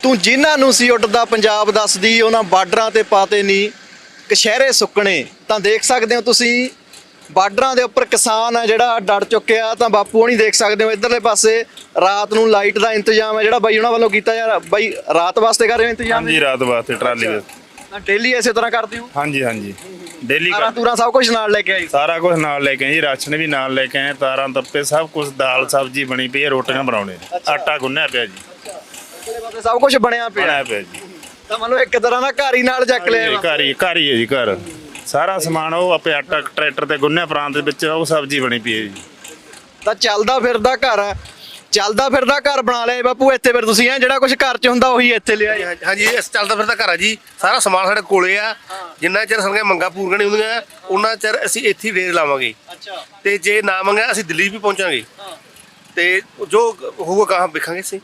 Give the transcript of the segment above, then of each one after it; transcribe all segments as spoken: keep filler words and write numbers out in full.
ਤੂੰ ਜਿਨ੍ਹਾਂ ਨੂੰ ਸੀ ਉੱਡਦਾ ਪੰਜਾਬ ਦੱਸਦੀ ਉਹਨਾਂ ਬਾਰਡਰਾਂ ਤੇ ਪਾਤੇ ਨੀ ਕਸ਼ਹਿਰੇ ਸੁੱਕਣੇ। ਤਾਂ ਦੇਖ ਸਕਦੇ ਹੋ ਤੁਸੀਂ ਬਾਰਡਰਾਂ ਦੇ ਉੱਪਰ ਕਿਸਾਨ ਹੈ ਜਿਹੜਾ ਡਟ ਚੁੱਕਿਆ। ਤਾਂ ਬਾਪੂ ਹੋਣੀ ਦੇਖ ਸਕਦੇ ਹੋ ਇੱਧਰਲੇ ਪਾਸੇ ਰਾਤ ਨੂੰ ਲਾਈਟ ਦਾ ਇੰਤਜ਼ਾਮ ਹੈ ਜਿਹੜਾ ਬਾਈ ਉਹਨਾਂ ਵੱਲੋਂ ਕੀਤਾ ਯਾਰ। ਬਾਈ ਰਾਤ ਵਾਸਤੇ ਕਰ ਰਹੇ ਹੋ ਇੰਤਜ਼ਾਮ? ਹਾਂਜੀ ਰਾਤ ਵਾਸਤੇ ਟਰਾਲੀ ਦੇ। ਤਾਂ ਡੇਲੀ ਇਸੇ ਤਰ੍ਹਾਂ ਕਰਦੇ ਹੋ? ਹਾਂਜੀ ਹਾਂਜੀ ਡੇਲੀ ਤਾਰਾਂ ਤੂਰਾਂ ਸਭ ਕੁਝ ਨਾਲ ਲੈ ਕੇ ਆਈ? ਸਾਰਾ ਕੁਝ ਨਾਲ ਲੈ ਕੇ ਆਏ ਜੀ, ਰਾਸ਼ਨ ਵੀ ਨਾਲ ਲੈ ਕੇ ਆਏ, ਤਾਰਾਂ ਤੱਪੇ ਸਭ ਕੁਝ, ਦਾਲ ਸਬਜ਼ੀ ਬਣੀ ਪਈ ਹੈ, ਰੋਟੀਆਂ ਬਣਾਉਣੇ, ਆਟਾ ਗੁੰਨਿਆ ਪਿਆ ਜੀ, ਸਭ ਕੁਝ ਬਣਿਆ ਪਿਆ ਬਣਾਇਆ ਪਿਆ ਜੀ। ਤਾਂ ਮਤਲਬ ਇੱਕ ਤਰ੍ਹਾਂ ਦਾ ਘਰ ਹੀ ਨਾਲ ਚੱਕ ਲਿਆ ਵਾ। ਘਰ ਹੀ ਘਰ ਹੀ ਹੈ ਜੀ, ਘਰ ਸਾਰਾ ਸਮਾਨ ਉਹ ਆਪੇ ਆਟਾ ਟਰੈਕਟਰ ਤੇ ਗੁੰਨਿਆ ਪ੍ਰਾਂਤ ਦੇ ਵਿੱਚ, ਉਹ ਸਬਜ਼ੀ ਬਣੀ ਪਈ ਹੈ ਜੀ। ਤਾਂ ਚੱਲਦਾ ਫਿਰਦਾ ਘਰ ਹੈ, ਚੱਲਦਾ ਫਿਰਦਾ ਘਰ ਬਣਾ ਲਿਆ ਬਾਪੂ ਇੱਥੇ ਫਿਰ ਤੁਸੀਂ ਹੈ ਜਿਹੜਾ ਕੁਝ ਘਰ 'ਚ ਹੁੰਦਾ ਉਹੀ ਇੱਥੇ ਲਿਆ? ਹਾਂਜੀ ਇਹ ਚੱਲਦਾ ਫਿਰਦਾ ਘਰ ਆ ਜੀ, ਸਾਰਾ ਸਮਾਨ ਸਾਡੇ ਕੋਲੇ ਆ। ਜਿੰਨਾ ਚਿਰ ਸਾਡੀਆਂ ਮੰਗਾਂ ਪੂਰੀਆਂ ਨਹੀਂ ਹੁੰਦੀਆਂ ਉਹਨਾਂ ਚਿਰ ਅਸੀਂ ਇੱਥੇ ਰੇਟ ਲਾਵਾਂਗੇ। ਅੱਛਾ। ਤੇ ਜੇ ਨਾ ਮੰਗਿਆ ਅਸੀਂ ਦਿੱਲੀ ਵੀ ਪਹੁੰਚਾਂਗੇ ਤੇ ਜੋ ਹੋਊਗਾ ਕਹਾਂ ਵੇਖਾਂਗੇ ਅਸੀਂ।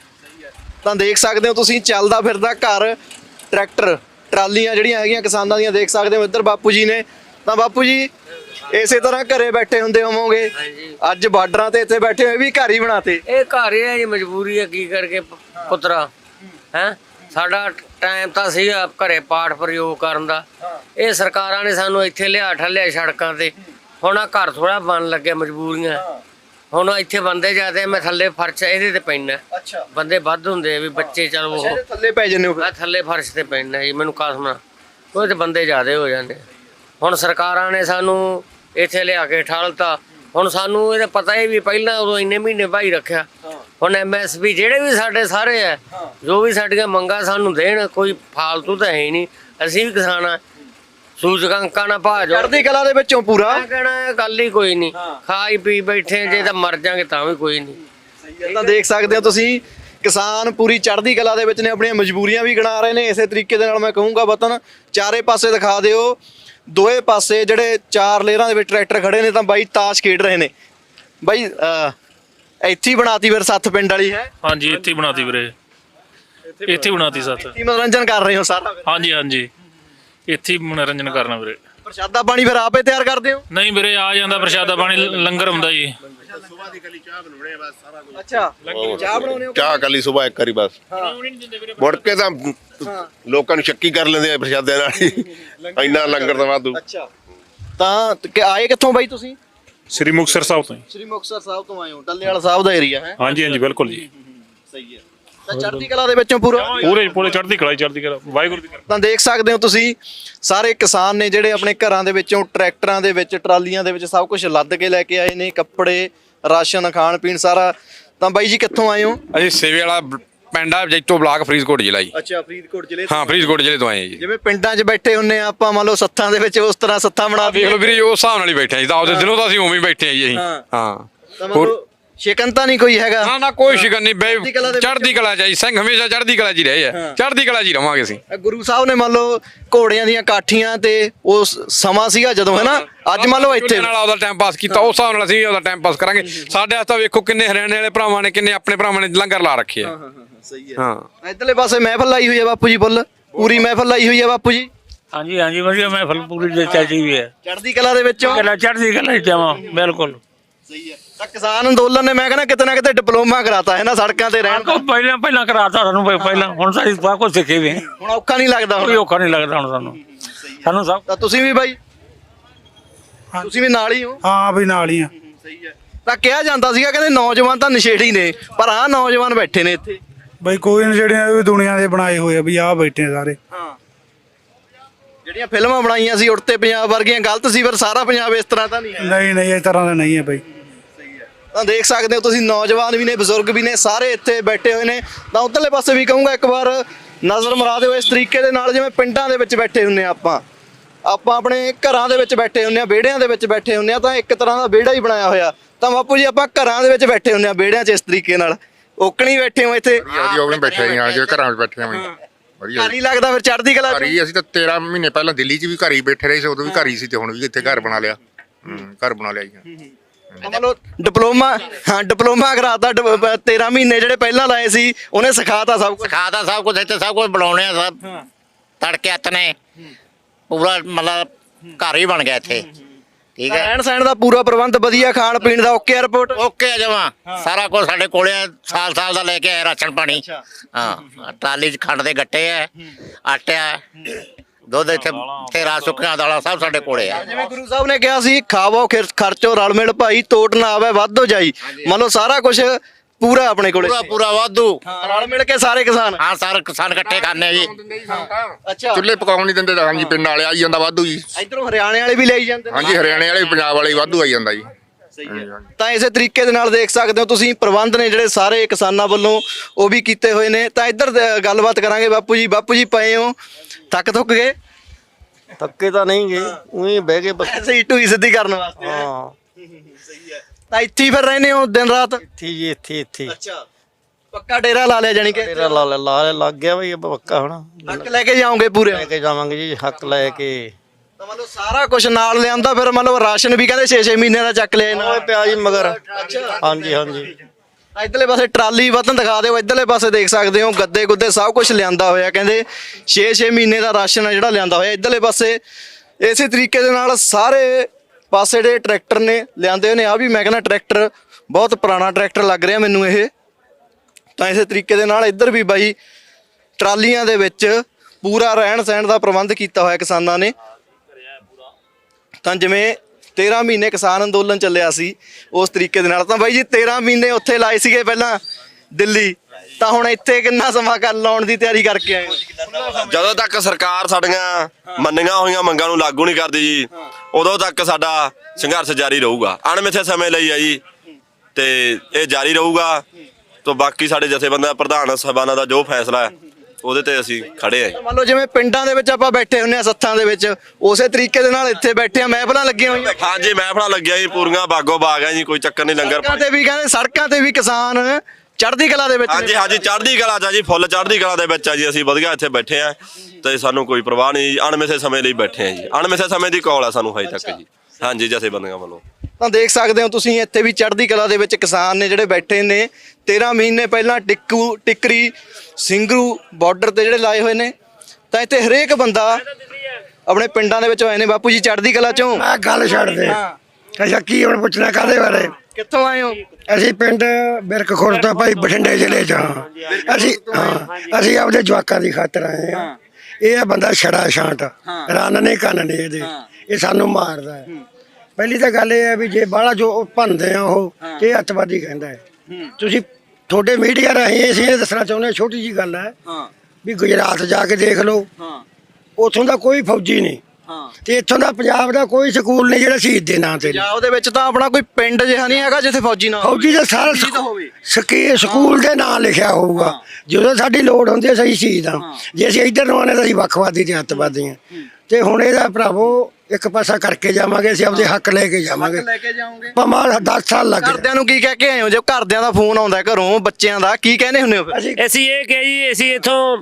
ਤਾਂ ਦੇਖ ਸਕਦੇ ਹੋ ਤੁਸੀਂ ਚੱਲਦਾ ਫਿਰਦਾ ਘਰ, ਟਰੈਕਟਰ ਟਰਾਲੀਆਂ ਜਿਹੜੀਆਂ ਹੈਗੀਆਂ ਕਿਸਾਨਾਂ ਦੀਆਂ ਦੇਖ ਸਕਦੇ ਹੋ। ਇੱਧਰ ਬਾਪੂ ਜੀ ਨੇ। ਤਾਂ ਬਾਪੂ ਜੀ ਇਸੇ ਤਰ੍ਹਾਂ ਘਰੇ ਬੈਠੇ ਹੁੰਦੇ ਹੋਵੋਗੇ, ਅੱਜ ਬਾਰਡਰਾਂ ਤੇ ਇੱਥੇ ਬੈਠੇ ਹੋਏ ਵੀ ਘਰ ਹੀ ਬਣਾਤੇ? ਇਹ ਘਰ ਹੀ ਹੈ ਜੀ, ਮਜਬੂਰੀ ਹੈ ਕੀ ਕਰਕੇ ਪੁੱਤਰਾ ਹੈ। ਸਾਡਾ ਟਾਈਮ ਤਾਂ ਸੀਗਾ ਘਰੇ ਪਾਠ ਪ੍ਰਯੋਗ ਕਰਨ ਦਾ, ਇਹ ਸਰਕਾਰਾਂ ਨੇ ਸਾਨੂੰ ਇੱਥੇ ਲਿਆ ਠੱਲਿਆ ਸੜਕਾਂ ਤੇ। ਹੁਣ ਆ ਘਰ ਥੋੜਾ ਬਣ ਲੱਗਿਆ, ਮਜਬੂਰੀਆਂ। ਹੁਣ ਇੱਥੇ ਬੰਦੇ ਜਾਂਦੇ, ਮੈਂ ਥੱਲੇ ਫਰਸ਼ ਇਹਦੇ ਤੇ ਪੈਣਾ। ਅੱਛਾ। ਬੰਦੇ ਵੱਧ ਹੁੰਦੇ ਵੀ ਬੱਚੇ ਚਲੋ ਉਹ ਥੱਲੇ ਪੈ ਜੰਨੇ ਹੋ? ਮੈਂ ਥੱਲੇ ਫਰਸ਼ ਤੇ ਪੈਣਾ ਜੀ, ਮੈਨੂੰ ਕਸਮ ਉਹ ਤੇ ਬੰਦੇ ਜ਼ਿਆਦੇ ਹੋ ਜਾਂਦੇ। ਹੁਣ ਸਰਕਾਰਾਂ ਨੇ ਸਾਨੂੰ ਇੱਥੇ ਲਿਆ ਕੇ ਠਾਲਤਾ। ਹੁਣ ਸਾਨੂੰ ਇਹਦਾ ਪਤਾ ਹੀ ਵੀ ਪਹਿਲਾਂ ਉਦੋਂ ਇੰਨੇ ਮਹੀਨੇ ਭਾਈ ਰੱਖਿਆ। ਹੁਣ ਐਮ ਐਸ ਪੀ ਜਿਹੜੇ ਵੀ ਸਾਡੇ ਸਾਰੇ ਆ, ਜੋ ਵੀ ਸਾਡੀਆਂ ਮੰਗਾਂ ਸਾਨੂੰ ਦੇਣ, ਕੋਈ ਫਾਲਤੂ ਤਾਂ ਹੈ ਹੀ ਨਹੀਂ। ਅਸੀਂ ਵੀ ਕਿਸਾਨ ਆ, ਸੂਚਕਾਂਕਾਂ ਨਾ ਭਾਜੋ। ਚੜ੍ਹਦੀ ਕਲਾ ਦੇ ਵਿੱਚੋਂ ਪੂਰਾ ਮੈਂ ਕਹਿਣਾ ਗੱਲ ਹੀ ਕੋਈ ਨਹੀਂ, ਖਾਈ ਪੀ ਬੈਠੇ ਜੇ ਤਾਂ ਮਰ ਜਾਗੇ ਤਾਂ ਵੀ ਕੋਈ ਨਹੀਂ। ਤਾਂ ਦੇਖ ਸਕਦੇ ਹੋ ਤੁਸੀਂ ਕਿਸਾਨ ਪੂਰੀ ਚੜ੍ਹਦੀ ਕਲਾ ਦੇ ਵਿੱਚ ਨੇ, ਆਪਣੀਆਂ ਮਜਬੂਰੀਆਂ ਵੀ ਗਿਣਾ ਰਹੇ ਨੇ। ਇਸੇ ਤਰੀਕੇ ਦੇ ਨਾਲ ਮੈਂ ਕਹੂੰਗਾ ਵਤਨ ਚਾਰੇ ਪਾਸੇ ਦਿਖਾ ਦਿਓ, ਦੋਏ ਪਾਸੇ ਜਿਹੜੇ ਚਾਰ ਲੇਅਰਾਂ ਦੇ ਵਿੱਚ ਟਰੈਕਟਰ ਖੜੇ ਨੇ ਤਾਂ ਬਾਈ ਤਾਸ਼ ਖੇਡ ਰਹੇ ਨੇ। ਬਾਈ ਇੱਥੇ ਹੀ ਬਣਾਤੀ ਫਿਰ ਸੱਤ ਪਿੰਡ ਵਾਲੀ ਹੈ? ਹਾਂਜੀ ਇੱਥੇ ਹੀ ਬਣਾਤੀ ਵੀਰੇ, ਇੱਥੇ ਹੀ ਬਣਾਤੀ ਸੱਤ। ਕੀ ਮਨੋਰੰਜਨ ਕਰ ਰਹੇ ਹੋ ਸਾਰਾ? ਹਾਂਜੀ ਹਾਂਜੀ ਇੱਥੇ ਹੀ ਮਨੋਰੰਜਨ ਕਰਨਾ ਵੀਰੇ। ਪ੍ਰਸ਼ਾਦਾ ਪਾਣੀ ਫਿਰ ਆਪੇ ਤਿਆਰ ਕਰਦੇ ਹੋ? ਨਹੀਂ ਵੀਰੇ ਆ ਜਾਂਦਾ ਪ੍ਰਸ਼ਾਦਾ ਪਾਣੀ, ਲੰਗਰ ਹੁੰਦਾ ਜੀ। ਅੱਛਾ ਚਾਹ ਬਣਾਉਣੇ ਹੋ? ਚਾਹ ਕੱਲੀ ਸੁਬਾਹ ਇੱਕ ਵਾਰੀ ਬਸ, ਮੁੜ ਕੇ ਤਾਂ ਲੋਕਾਂ ਨੂੰ ਸ਼ੱਕੀ ਕਰ ਲੈਂਦੇ ਆ ਪ੍ਰਸ਼ਾਦਿਆਂ ਨਾਲ ਹੀ, ਇੰਨਾ ਲੰਗਰ ਤਾਂ ਵਾਧੂ। ਅੱਛਾ। ਤਾਂ ਕਿ ਆਏ ਕਿੱਥੋਂ ਬਾਈ ਤੁਸੀਂ? ਸ੍ਰੀ ਮੁਕਤਸਰ ਸਾਹਿਬ ਤੋਂ। ਸ੍ਰੀ ਮੁਕਤਸਰ ਸਾਹਿਬ ਤੋਂ ਆਏ ਹੋ, ਟੱਲੇ ਵਾਲਾ ਸਾਹਿਬ ਦਾ ਏਰੀਆ ਹੈ? ਹਾਂਜੀ ਹਾਂਜੀ ਬਿਲਕੁਲ ਜੀ। ਸਹੀ ਹੈ। ਤਾਂ ਚੜ੍ਹਦੀ ਕਲਾ ਦੇ ਵਿੱਚੋਂ ਪੂਰਾ ਪੂਰੇ ਪੂਰੇ ਚੜ੍ਹਦੀ ਕਲਾ ਚੜ੍ਹਦੀ ਕਲਾ, ਵਾਹਿਗੁਰੂ ਦੀ ਕਿਰਪਾ। ਤਾਂ ਦੇਖ ਸਕਦੇ ਹੋ ਤੁਸੀਂ ਸਾਰੇ ਕਿਸਾਨ ਨੇ ਜਿਹੜੇ ਆਪਣੇ ਘਰਾਂ ਦੇ ਵਿੱਚੋਂ ਟਰੈਕਟਰਾਂ ਦੇ ਵਿੱਚ ਟਰਾਲੀਆਂ ਦੇ ਵਿੱਚ ਸਭ ਕੁਝ ਲੱਦ ਕੇ ਲੈ ਕੇ ਆਏ ਨੇ, ਕੱਪੜੇ ਰਾਸ਼ਨ ਖਾਣ ਪੀਣ ਸਾਰਾ। ਤਾਂ ਬਾਈ ਜੀ ਕਿੱਥੋਂ ਆਏ ਹੋ? ਅਸੀਂ ਸੇਵੇ ਵਾਲਾ ਪਿੰਡ ਆ, ਜੈਤੋ ਬਲਾਕ, ਫਰੀਦਕੋਟ ਜ਼ਿਲ੍ਹਾ ਜੀ। ਅੱਛਾ ਫਰੀਦਕੋਟ ਜ਼ਿਲ੍ਹੇ? ਹਾਂ ਫਰੀਦਕੋਟ ਜ਼ਿਲ੍ਹੇ ਤੋਂ ਆਏ ਜੀ। ਜਿਵੇਂ ਪਿੰਡਾਂ 'ਚ ਬੈਠੇ ਹੁੰਨੇ ਆ ਆਪਾਂ, ਮੰਨ ਲਓ ਸੱਥਾਂ ਦੇ ਵਿੱਚ ਉਸ ਤਰ੍ਹਾਂ ਸੱਥਾਂ ਬਣਾ ਦੇਖ ਲਓ ਵੀਰੇ, ਉਸ ਹਿਸਾਬ ਨਾਲ ਹੀ ਬੈਠੇ ਆ ਜੀ, ਤਾਂ ਆਪਦੇ ਦਿਲੋਂ ਤਾਂ ਅਸੀਂ ਉਵੇਂ ਹੀ ਬੈਠੇ ਆ ਜੀ ਅਸੀਂ। ਹਾਂ ਤਾਂ ਮਤਲਬ ਸ਼ਿਕਨ ਤਾਂ ਨਹੀਂ ਕੋਈ ਹੈਗਾ? ਨਾ ਨਾ ਕੋਈ ਸ਼ਿਕਨ ਨਹੀਂ ਬਈ, ਚੜ੍ਹਦੀ ਕਲਾ ਚ ਆ ਜੀ, ਸਿੰਘ ਹਮੇਸ਼ਾ ਚੜ੍ਹਦੀ ਕਲਾ ਚ ਹੀ ਰਹੇ ਆ, ਚੜ੍ਹਦੀ ਕਲਾ ਚ ਹੀ ਰਵਾਂਗੇ ਅਸੀਂ। ਗੁਰੂ ਸਾਹਿਬ ਨੇ ਮੰਨ ਲਓ ਘੋੜਿਆਂ ਦੀਆਂ ਕਾਠੀਆਂ ਤੇ ਉਸ ਸਮਾਂ ਸੀਗਾ ਜਦੋਂ, ਹੈ ਨਾ, ਅੱਜ ਮੰਨ ਲਓ ਇੱਥੇ ਨਾਲ ਆਪਦਾ ਟਾਈਮ ਪਾਸ ਕੀਤਾ, ਉਸ ਹਿਸਾਬ ਨਾਲ ਅਸੀਂ ਆਪਦਾ ਟਾਈਮ ਪਾਸ ਕਰਾਂਗੇ। ਸਾਡੇ ਹੱਥਾਂ ਵੇਖੋ ਕਿੰਨੇ ਹਰਿਆਣੇ ਵਾਲੇ ਭਰਾਵਾਂ ਨੇ, ਕਿੰਨੇ ਆਪਣੇ ਭਰਾਵਾਂ ਨੇ ਲੰਗਰ ਲਾ ਰੱਖੇ ਆ। ਸਹੀ ਹੈ। ਹਾਂ ਇੱਧਰਲੇ ਪਾਸੇ ਮਹਿਫਲ ਲਾਈ ਹੋਈ ਹੈ ਬਾਪੂ ਜੀ, ਫੁੱਲ ਪੂਰੀ ਮਹਿਫਲ ਲਾਈ ਹੋਈ ਹੈ ਬਾਪੂ ਜੀ। ਹਾਂਜੀ ਹਾਂਜੀ ਵਧੀਆ ਮਹਿਫਲ ਪੂਰੀ ਚੱਲਦੀ ਵੀ ਹੈ, ਚੜ੍ਹਦੀ ਕਲਾ ਦੇ ਵਿੱਚੋਂ ਕਲਾ ਚੜ੍ਹਦੀ ਕਲਾ ਚ ਜਾਵਾਂ। ਬਿਲਕੁਲ ਸਹੀ ਹੈ। ਤਾਂ ਕਿਸਾਨ ਅੰਦੋਲਨ ਨੇ ਮੈਂ ਕਹਿੰਦਾ ਕਿਤੇ ਨਾ ਕਿਤੇ ਡਿਪਲੋਮਾ ਕਰਾਤਾ ਹੈ ਨਾ ਸੜਕਾਂ ਤੇ ਰਹਿਣ ਦਾ। ਪਹਿਲਾਂ ਪਹਿਲਾਂ ਕਰਾਤਾ ਸਾਨੂੰ, ਪਹਿਲਾਂ ਹੁਣ ਸਾਡੀ ਸਭ ਕੁਝ ਸਿੱਖੇ ਵੀ, ਹੁਣ ਔਖਾ ਨਹੀਂ ਲੱਗਦਾ? ਕੋਈ ਔਖਾ ਨਹੀਂ ਲੱਗਦਾ ਹੁਣ ਸਾਨੂੰ, ਸਾਨੂੰ ਸਭ। ਤਾਂ ਤੁਸੀਂ ਵੀ ਬਾਈ, ਤੁਸੀਂ ਵੀ ਨਾਲ ਹੀ ਹੋ? ਹਾਂ ਬਈ ਨਾਲ ਹੀ ਆ। ਸਹੀ ਹੈ। ਤਾਂ ਕਿਹਾ ਜਾਂਦਾ ਸੀਗਾ ਕਹਿੰਦੇ ਨੌਜਵਾਨ ਤਾਂ ਨਸ਼ੇੜੀ ਨੇ, ਪਰ ਆਹ ਨੌਜਵਾਨ ਬੈਠੇ ਨੇ ਇੱਥੇ। ਬਈ ਕੋਈ ਨਸ਼ੇੜੀਆਂ ਵੀ ਦੁਨੀਆ ਦੇ ਬਣਾਏ ਹੋਏ ਆ, ਵੀ ਆਹ ਬੈਠੇ ਸਾਰੇ। ਹਾਂ ਜਿਹੜੀਆਂ ਫਿਲਮਾਂ ਬਣਾਈਆਂ ਸੀ ਉੜਤੇ ਪੰਜਾਬ ਵਰਗੀਆਂ ਗਲਤ ਸੀ, ਪਰ ਸਾਰਾ ਪੰਜਾਬ ਇਸ ਤਰ੍ਹਾਂ ਤਾਂ ਨਹੀਂ ਹੈ? ਨਹੀਂ ਨਹੀਂ ਇਸ ਤਰ੍ਹਾਂ ਦਾ ਨਹੀਂ ਹੈ ਬਈ। ਤਾਂ ਦੇਖ ਸਕਦੇ ਹੋ ਤੁਸੀਂ ਨੌਜਵਾਨ ਵੀ ਨੇ, ਬਜ਼ੁਰਗ ਵੀ ਨੇ, ਸਾਰੇ ਇੱਥੇ ਬੈਠੇ ਹੋਏ ਨੇ। ਤਾਂ ਉੱਧਰਲੇ ਪਾਸੇ ਵੀ ਕਹੂੰਗਾ ਇੱਕ ਵਾਰ ਨਜ਼ਰ ਮਰਾ ਦਿਓ ਇਸ ਤਰੀਕੇ ਦੇ ਨਾਲ, ਜਿਵੇਂ ਪਿੰਡਾਂ ਦੇ ਵਿੱਚ ਬੈਠੇ ਹੁੰਨੇ ਆ ਆਪਾਂ ਆਪਾਂ ਆਪਣੇ ਘਰਾਂ ਦੇ ਵਿੱਚ ਬੈਠੇ ਹੁੰਨੇ ਆ, ਵਿਹੜਿਆਂ ਦੇ ਵਿੱਚ ਬੈਠੇ ਹੁੰਨੇ ਆ। ਤਾਂ ਇੱਕ ਤਰ੍ਹਾਂ ਦਾ ਵਿਹੜਾ ਹੀ ਬਣਾਇਆ ਹੋਇਆ। ਤਾਂ ਬਾਪੂ ਜੀ ਆਪਾਂ ਘਰਾਂ ਦੇ ਵਿੱਚ ਬੈਠੇ ਹੁੰਨੇ ਆ, ਵਿਹੜਿਆਂ 'ਚ ਇਸ ਤਰੀਕੇ ਨਾਲ ਓਕਣੀ ਬੈਠੇ ਹੋ ਇੱਥੇ? ਉਹ ਬੈਠੇ ਆ ਜਿਵੇਂ ਘਰਾਂ 'ਚ ਬੈਠੇ ਆ ਵਧੀਆ। ਘਰ ਹੀ ਲੱਗਦਾ ਫਿਰ ਚੜ੍ਹਦੀ ਕਲਾ 'ਚ? ਅਸੀਂ ਤਾਂ ਤੇਰਾਂ ਮਹੀਨੇ ਪਹਿਲਾਂ ਦਿੱਲੀ 'ਚ ਵੀ ਘਰ ਹੀ ਬੈਠੇ ਰਹੇ ਸੀ, ਉਦੋਂ ਵੀ ਘਰ ਹੀ ਸੀ ਤੇ ਹੁਣ ਵੀ ਇੱਥੇ ਘਰ ਬਣਾ ਲਿਆ। ਹੂੰ ਘਰ ਬਣਾ ਲਿਆ ਜੀ। ਮਤਲਬ ਡਿਪਲੋਮਾ, ਹਾਂ ਡਿਪਲੋਮਾ ਕਰਾਤਾ। ਤੇਰਾਂ ਮਹੀਨੇ ਜਿਹੜੇ ਪਹਿਲਾਂ ਲਾਏ ਸੀ ਉਹਨੇ ਸਿਖਾਤਾ ਸਭ ਕੁਝ? ਸਿਖਾਤਾ ਸਭ ਕੁਝ, ਇੱਥੇ ਸਭ ਕੁਝ ਬਣਾਉਣੇ ਆ, ਸਭ ਤੜਕੇ ਹੱਥ ਨੇ ਪੂਰਾ, ਮਤਲਬ ਘਰ ਹੀ ਬਣ ਗਿਆ ਇੱਥੇ। ਠੀਕ ਹੈ ਰਹਿਣ ਸਹਿਣ ਦਾ ਪੂਰਾ ਪ੍ਰਬੰਧ ਵਧੀਆ, ਖਾਣ ਪੀਣ ਦਾ ਓਕੇ ਰਿਪੋਰਟ। ਓਕੇ ਆ ਜਮਾ ਸਾਰਾ ਕੁਝ ਸਾਡੇ ਕੋਲੇ ਆ, ਸਾਲ ਸਾਲ ਦਾ ਲੈ ਕੇ ਆਏ ਰਾਸ਼ਨ ਪਾਣੀ। ਹਾਂ ਟਰਾਲੀ 'ਚ ਖੰਡ ਦੇ ਗੱਟੇ ਆ, ਆਟਾ ਹੈ, ਦੁੱਧ ਇੱਥੇ ਤੇਰਾ ਸੁੱਕੀਆਂ ਦਾਲਾਂ ਸਭ ਸਾਡੇ ਕੋਲੇ ਆ। ਜਿਵੇਂ ਗੁਰੂ ਸਾਹਿਬ ਨੇ ਕਿਹਾ ਸੀ, ਖਾਵੋ ਖਿਰ- ਖਰਚੋ ਰਲ ਮਿਲ ਭਾਈ, ਤੋਟ ਨਾ ਆਵੇ ਵਾਧੋ ਜਾਈ। ਮੰਨ ਲਓ ਸਾਰਾ ਕੁਝ ਪੂਰਾ ਆਪਣੇ ਕੋਲੇ, ਪੂਰਾ ਪੂਰਾ ਵਾਧੂ। ਰਲ ਮਿਲ ਕੇ ਸਾਰੇ ਕਿਸਾਨ। ਹਾਂ ਸਾਰੇ ਕਿਸਾਨ ਇਕੱਠੇ ਖਾਂਦੇ ਆ ਜੀ। ਅੱਛਾ, ਚੁੱਲ੍ਹੇ ਪਕਾਉਣ ਨਹੀਂ ਦਿੰਦੇ ਤਾਂ ਹਾਂਜੀ ਪਿੰਡ ਵਾਲੇ ਆਈ ਜਾਂਦਾ ਵਾਧੂ ਜੀ। ਇਧਰੋਂ ਹਰਿਆਣੇ ਵਾਲੇ ਵੀ ਲਈ ਜਾਂਦੇ ਨੇ। ਹਾਂਜੀ ਹਰਿਆਣੇ ਵਾਲੇ ਵੀ ਪੰਜਾਬ ਵਾਲੇ ਵੀ ਵਾਧੂ ਆਈ ਜਾਂਦਾ ਜੀ। ਤਾਂ ਇਸੇ ਤਰੀਕੇ ਦੇ ਨਾਲ ਦੇਖ ਸਕਦੇ ਹੋ ਤੁਸੀਂ, ਪ੍ਰਬੰਧ ਨੇ ਜਿਹੜੇ ਸਾਰੇ ਕਿਸਾਨਾਂ ਵੱਲੋਂ ਉਹ ਵੀ ਕੀਤੇ ਹੋਏ ਨੇ। ਤਾਂ ਇੱਧਰ ਦੇ ਗੱਲਬਾਤ ਕਰਾਂਗੇ ਬਾਪੂ ਜੀ। ਬਾਪੂ ਜੀ ਪਏ ਹੋ, ਥੱਕ ਥੁੱਕ ਗਏ? ਥੱਕੇ ਤਾਂ ਨਹੀਂ ਗਏ, ਉਹੀ ਬਹਿ ਗਏ ਬਸ। ਐਸੇ ਹੀ ਢੂਈ ਸਿੱਧੀ ਕਰਨ ਵਾਸਤੇ। ਹਾਂ ਸਹੀ ਹੈ। ਤਾਂ ਇੱਥੇ ਹੀ ਫਿਰ ਰਹਿੰਦੇ ਹੋ ਦਿਨ ਰਾਤ? ਇੱਥੇ ਜੀ ਇੱਥੇ ਇੱਥੇ ਅੱਛਾ, ਪੱਕਾ ਡੇਰਾ ਲਾ ਲਿਆ ਜਾਣੀ ਕਿ? ਤੇਰਾ ਲਾ ਲਾ ਲਾ ਲੱਗ ਗਿਆ ਬਈ ਪੱਕਾ ਹੁਣ ਹੱਕ ਲੈ ਕੇ ਜਾਓਗੇ ਪੂਰੇ? ਲੈ ਕੇ ਜਾਵਾਂਗੇ ਜੀ, ਹੱਕ ਲੈ ਕੇ। ਤਾਂ ਮਤਲਬ ਸਾਰਾ ਕੁਝ ਨਾਲ ਲਿਆਂਦਾ ਫਿਰ? ਮਤਲਬ ਰਾਸ਼ਨ ਵੀ ਕਹਿੰਦੇ ਛੇ ਛੇ ਮਹੀਨੇ ਦਾ ਚੱਕ ਲਿਆ ਇਹਨਾਂ ਓਏ ਪਿਆ ਜੀ ਮਗਰ। ਅੱਛਾ, ਹਾਂਜੀ ਹਾਂਜੀ ਇਧਰਲੇ ਪਾਸੇ ਟਰਾਲੀ ਵਤਨ ਦਿਖਾ ਦਿਓ। ਇਧਰਲੇ ਪਾਸੇ ਦੇਖ ਸਕਦੇ ਹੋ ਗੱਦੇ ਗੁੱਦੇ ਸਭ ਕੁਝ ਲਿਆਂਦਾ ਹੋਇਆ, ਕਹਿੰਦੇ ਛੇ ਛੇ ਮਹੀਨੇ ਦਾ ਰਾਸ਼ਨ ਹੈ ਜਿਹੜਾ ਲਿਆਂਦਾ ਹੋਇਆ। ਇਧਰਲੇ ਪਾਸੇ ਇਸੇ ਤਰੀਕੇ ਦੇ ਨਾਲ ਸਾਰੇ ਪਾਸੇ ਜਿਹੜੇ ਟਰੈਕਟਰ ਨੇ ਲਿਆਂਦੇ ਹੋਏ ਨੇ। ਆ ਵੀ ਮੈਂ ਕਹਿੰਦਾ ਟਰੈਕਟਰ ਬਹੁਤ ਪੁਰਾਣਾ ਟਰੈਕਟਰ ਲੱਗ ਰਿਹਾ ਮੈਨੂੰ ਇਹ। ਤਾਂ ਇਸੇ ਤਰੀਕੇ ਦੇ ਨਾਲ ਇੱਧਰ ਵੀ ਬਾਈ ਟਰਾਲੀਆਂ ਦੇ ਵਿੱਚ ਪੂਰਾ ਰਹਿਣ ਸਹਿਣ ਦਾ ਪ੍ਰਬੰਧ ਕੀਤਾ ਹੋਇਆ ਕਿਸਾਨਾਂ ਨੇ। ਤਾਂ ਜਿਵੇਂ ਤੇਰਾਂ ਮਹੀਨੇ ਕਿਸਾਨ ਅੰਦੋਲਨ ਚੱਲਿਆ ਸੀ ਉਸ ਤਰੀਕੇ ਦੇ ਨਾਲ। ਤਾਂ ਬਾਈ ਜੀ ਤੇਰਾਂ ਮਹੀਨੇ ਉੱਥੇ ਲਾਏ ਸੀਗੇ ਪਹਿਲਾਂ ਦਿੱਲੀ, ਤਾਂ ਹੁਣ ਇੱਥੇ ਕਿੰਨਾ ਸਮਾਂ ਕਰ ਲਾਉਣ ਦੀ ਤਿਆਰੀ ਕਰਕੇ ਆਏ ਹੋ? ਜਦੋਂ ਤੱਕ ਸਰਕਾਰ ਸਾਡੀਆਂ ਮੰਨੀਆਂ ਹੋਈਆਂ ਮੰਗਾਂ ਨੂੰ ਲਾਗੂ ਨਹੀਂ ਕਰਦੀ ਜੀ, ਉਦੋਂ ਤੱਕ ਸਾਡਾ ਸੰਘਰਸ਼ ਜਾਰੀ ਰਹੂਗਾ। ਅਣਮਿੱਥੇ ਸਮੇਂ ਲਈ ਆ ਜੀ, ਤੇ ਇਹ ਜਾਰੀ ਰਹੂਗਾ। ਤੋਂ ਬਾਕੀ ਸਾਡੇ ਜਥੇਬੰਦੀਆਂ ਪ੍ਰਧਾਨ ਸਾਹਿਬਾਨਾਂ ਦਾ ਜੋ ਫੈਸਲਾ ਹੈ ਉਹਦੇ ਤੇ ਅਸੀਂ ਖੜੇ ਆਂ। ਮੰਨ ਲਓ ਜਿਵੇਂ ਪਿੰਡਾਂ ਦੇ ਵਿੱਚ ਆਪਾਂ ਬੈਠੇ ਹੁੰਨੇ ਆ ਸੱਥਾਂ ਦੇ ਵਿੱਚ, ਉਸੇ ਤਰੀਕੇ ਦੇ ਨਾਲ ਇੱਥੇ ਬੈਠੇ ਆ, ਮਹਿਫਲਾਂ ਲੱਗੀਆਂ ਹੋਈਆਂ। ਹਾਂਜੀ ਮਹਿਫਲਾਂ ਲੱਗੀਆਂ ਜੀ, ਪੂਰੀਆਂ ਬਾਗੋ ਬਾਗ ਆ ਜੀ, ਕੋਈ ਚੱਕਰ ਨਹੀਂ। ਲੰਗਰ ਸੜਕਾਂ ਤੇ ਵੀ ਕਹਿੰਦੇ, ਸੜਕਾਂ ਤੇ ਵੀ ਕਿਸਾਨ ਚੜ੍ਹਦੀ ਕਲਾ ਦੇ ਵਿੱਚ ਨੇ। ਹਾਂਜੀ ਹਾਂਜੀ ਚੜ੍ਹਦੀ ਕਲਾ ਚ ਆ ਜੀ, ਫੁੱਲ ਚੜ੍ਹਦੀ ਕਲਾ ਦੇ ਵਿੱਚ ਆ ਜੀ। ਅਸੀਂ ਵਧੀਆ ਇੱਥੇ ਬੈਠੇ ਆ ਤੇ ਸਾਨੂੰ ਕੋਈ ਪਰਵਾਹ ਨਹੀਂ ਜੀ। ਅਣਮਿੱਥੇ ਸਮੇਂ ਲਈ ਬੈਠੇ ਆ ਜੀ, ਅਣਮਿੱਥੇ ਸਮੇਂ ਦੀ ਕਾਲ ਆ ਸਾਨੂੰ ਹਜੇ ਤੱਕ ਜੀ। ਹਾਂਜੀ ਜਥੇਬੰਦੀਆਂ ਵੱਲੋਂ। ਤਾਂ ਦੇਖ ਸਕਦੇ ਹੋ ਤੁਸੀਂ ਇੱਥੇ ਵੀ ਚੜ੍ਹਦੀ ਕਲਾ ਦੇ ਵਿੱਚ ਕਿਸਾਨ ਨੇ ਜਿਹੜੇ ਬੈਠੇ ਨੇ। ਤੇਰਾਂ ਮਹੀਨੇ ਪਹਿਲਾਂ ਟਿੱਕੂ ਟਿੱਕਰੀ ਸਿੰਘਰੂ ਬਾਰਡਰ ਤੇ ਜਿਹੜੇ ਲਾਏ ਹੋਏ ਨੇ। ਤਾਂ ਇੱਥੇ ਹਰੇਕ ਬੰਦਾ ਆਪਣੇ ਪਿੰਡਾਂ ਦੇ ਵਿੱਚ ਆਏ ਨੇ। ਬਾਪੂ ਜੀ ਚੜ੍ਹਦੀ ਕਲਾ ਚੋਂ? ਮੈਂ ਗੱਲ ਛੱਡ ਦੇ। ਅੱਛਾ ਕੀ ਹੁਣ ਪੁੱਛਣਾ ਕਾਹਦੇ ਬਾਰੇ? ਕਿੱਥੋਂ ਆਏ ਹੋ? ਅਸੀਂ ਪਿੰਡ ਬਿਰਕ ਖੁਰਦ ਤੋਂ ਭਾਈ ਬਠਿੰਡੇ ਜ਼ਿਲ੍ਹੇ ਚ ਹਾਂ। ਅਸੀਂ ਹਾਂ ਅਸੀਂ ਆਪਦੇ ਜਵਾਕਾਂ ਦੀ ਖਾਤਰ ਆਏ ਹਾਂ। ਇਹ ਆ ਬੰਦਾ ਛੜਾ ਛਾਂਟ, ਰੰਨ ਨੇ ਕੰਨ ਨੇ ਇਹਦੇ, ਇਹ ਸਾਨੂੰ ਮਾਰਦਾ ਹੈ। ਪਹਿਲੀ ਤਾਂ ਗੱਲ ਇਹ ਹੈ ਵੀ ਜੇ ਬਾਹਲਾ ਜੋ ਭੰਨਦੇ ਆ ਉਹ, ਇਹ ਅੱਤਵਾਦੀ ਕਹਿੰਦਾ ਹੈ। ਤੁਸੀਂ ਤੁਹਾਡੇ ਮੀਡੀਆ ਰਾਹੀਂ ਅਸੀਂ ਇਹ ਦੱਸਣਾ ਚਾਹੁੰਦੇ ਹਾਂ, ਛੋਟੀ ਜੀ ਗੱਲ ਹੈ ਵੀ ਗੁਜਰਾਤ ਜਾ ਕੇ ਦੇਖ ਲਓ, ਉੱਥੋਂ ਦਾ ਕੋਈ ਫੌਜੀ ਨਹੀਂ ਤੇ ਇੱਥੋਂ ਦਾ ਪੰਜਾਬ ਦਾ ਕੋਈ ਸਕੂਲ ਨਹੀਂ ਜਿਹੜਾ ਸ਼ਹੀਦ ਦੇ ਨਾਂ ਤੇ। ਪੰਜਾਬ ਦੇ ਵਿੱਚ ਤਾਂ ਆਪਣਾ ਕੋਈ ਪਿੰਡ ਜਿਹਾ ਨਹੀਂ ਹੈਗਾ ਜਿੱਥੇ ਫੌਜੀ ਨਾ ਫੌਜੀ ਦਾ ਸਾਰਾ ਸਕੀ ਸਕੂਲ ਦੇ ਨਾਂ ਲਿਖਿਆ ਹੋਊਗਾ। ਜਦੋਂ ਸਾਡੀ ਲੋੜ ਹੁੰਦੀ ਹੈ ਅਸੀਂ ਸ਼ਹੀਦ ਹਾਂ। ਜੇ ਅਸੀਂ ਇੱਧਰ ਨੂੰ ਆਉਣੇ ਤਾਂ ਅਸੀਂ ਵੱਖਵਾਦੀ ਤੇ ਅੱਤਵਾਦੀ ਹਾਂ। ਤੇ ਹੁਣ ਇਹਦਾ ਭਰਾਵੋ ਇੱਕ ਪਾਸਾ ਕਰਕੇ ਜਾਵਾਂਗੇ, ਅਸੀਂ ਆਪਦੇ ਹੱਕ ਲੈ ਕੇ ਜਾਵਾਂਗੇ। ਲੈ ਕੇ ਜਾਓਗੇ? ਭਾਵੇਂ ਦਸ ਸਾਲ ਲੱਗ ਜਾਣ। ਘਰਦਿਆਂ ਨੂੰ ਕੀ ਕਹਿ ਕੇ ਆਏ ਹੋ? ਜੇ ਘਰਦਿਆਂ ਦਾ ਫੋਨ ਆਉਂਦਾ ਘਰੋਂ ਬੱਚਿਆਂ ਦਾ, ਕੀ ਕਹਿੰਦੇ ਹੁੰਦੇ ਹੋ ਫਿਰ? ਅਸੀਂ ਇਹ ਕਿਹਾ ਜੀ ਅਸੀਂ ਇੱਥੋਂ